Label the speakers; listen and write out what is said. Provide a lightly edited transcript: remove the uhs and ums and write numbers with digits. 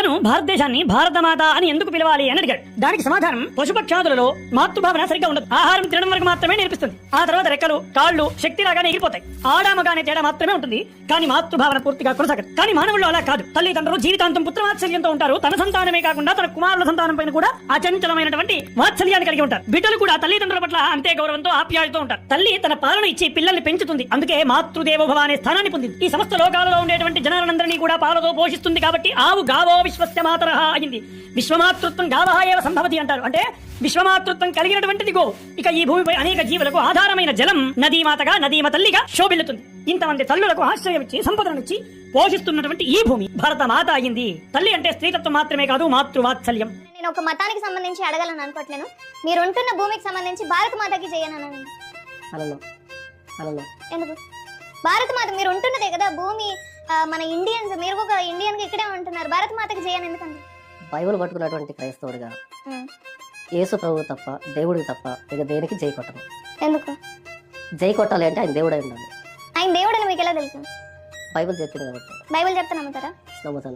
Speaker 1: తను భారతదేశాన్ని భారతమాత అని ఎందుకు పిలవాలి అని అడిగాడు. దానికి సమాధానం, పశుపక్షాదులలో మాతృభావన సరిగ్గా ఉండదు. ఆహారం తినడం వరకు మాత్రమే నేర్పిస్తుంది. ఆ తర్వాత రెక్కలు, కాళ్ళు శక్తిలాగానే ఎగిరిపోతాయి. ఆడామగానే తేడా మాత్రమే ఉంటుంది, కానీ మాతృభావన పూర్తిగా కొనసాగదు. కానీ మానవుల్లో అలా కాదు. తల్లిదండ్రులు జీవితాంతం పుత్రవాత్సల్యంతో ఉంటారు. తన సంతానమే కాకుండా తన కుమారుల సంతానం పైన కూడా అచంచలమైనటువంటి వాత్సల్యాన్ని కలిగి ఉంటారు. బిడ్డలు కూడా తల్లిదండ్రుల పట్ల అంతే గౌరవంతో ఆప్యాయతతో ఉంటారు. తల్లి తన పాలన ఇచ్చి పిల్లల్ని పెంచుతుంది. అందుకే మాతృదేవోభవ అనే స్థానాన్ని పొందింది. ఈ సమస్త లోకాలలో ఉండేటువంటి జనాలందరినీ కూడా పాలతో పోషిస్తుంది. కాబట్టి ఆవు గావో విశ్వస్య మాతరః అయింది. విశ్వమాతృత్వం గావః ఏవ సంభవతి అంటారు. అంటే విశ్వమాతృత్వం కలిగినటువంటిది గో. ఇక ఈ భూమిపై అనేక జీవులకు ఆధారమైన జలం నదీమాతగా, నదీమ తల్లిగా శోభిల్లుతుంది. ఇంతమంది తల్లులకు ఆశ్రయం ఇచ్చి సంపదనిచ్చి పోషిస్తున్నటువంటి ఈ భూమి భరత మాత అయింది. తల్లి అంటే స్త్రీతత్వం మాత్రమే కాదు, మాతృవాత్సల్యం.
Speaker 2: నేను ఒక మతానికి సంబంధించి అడగాలని అనుకోవట్లేను. మీరు ఉంటున్న భూమికి సంబంధించి భారత మాతకి చేయను. ఎందుకు భారత మాత? మీరు ఉంటున్నదే కదా భూమి, మన ఇండియన్స్, మీరు ఒక ఇండియన్ గా ఇక్కడే ఉంటున్నారు. భారత మాతకి చేయను ఎందుకండి?
Speaker 3: బైబిల్ పట్టుకున్నటువంటి క్రైస్తవుడిగా యేసు ప్రభు తప్ప, దేవుడికి తప్ప ఇక దేనికి జై కొట్టను.
Speaker 2: ఎందుకు
Speaker 3: జై కొట్టాలి అంటే ఆయన దేవుడై ఉండాలి.
Speaker 2: ఆయన దేవుడని మీకు ఎలా తెలుసు?
Speaker 3: బైబిల్ చెప్పింది కాబట్టి.
Speaker 2: బైబిల్ చెప్తే నమ్ముతారా?
Speaker 3: నమ్ముతాను.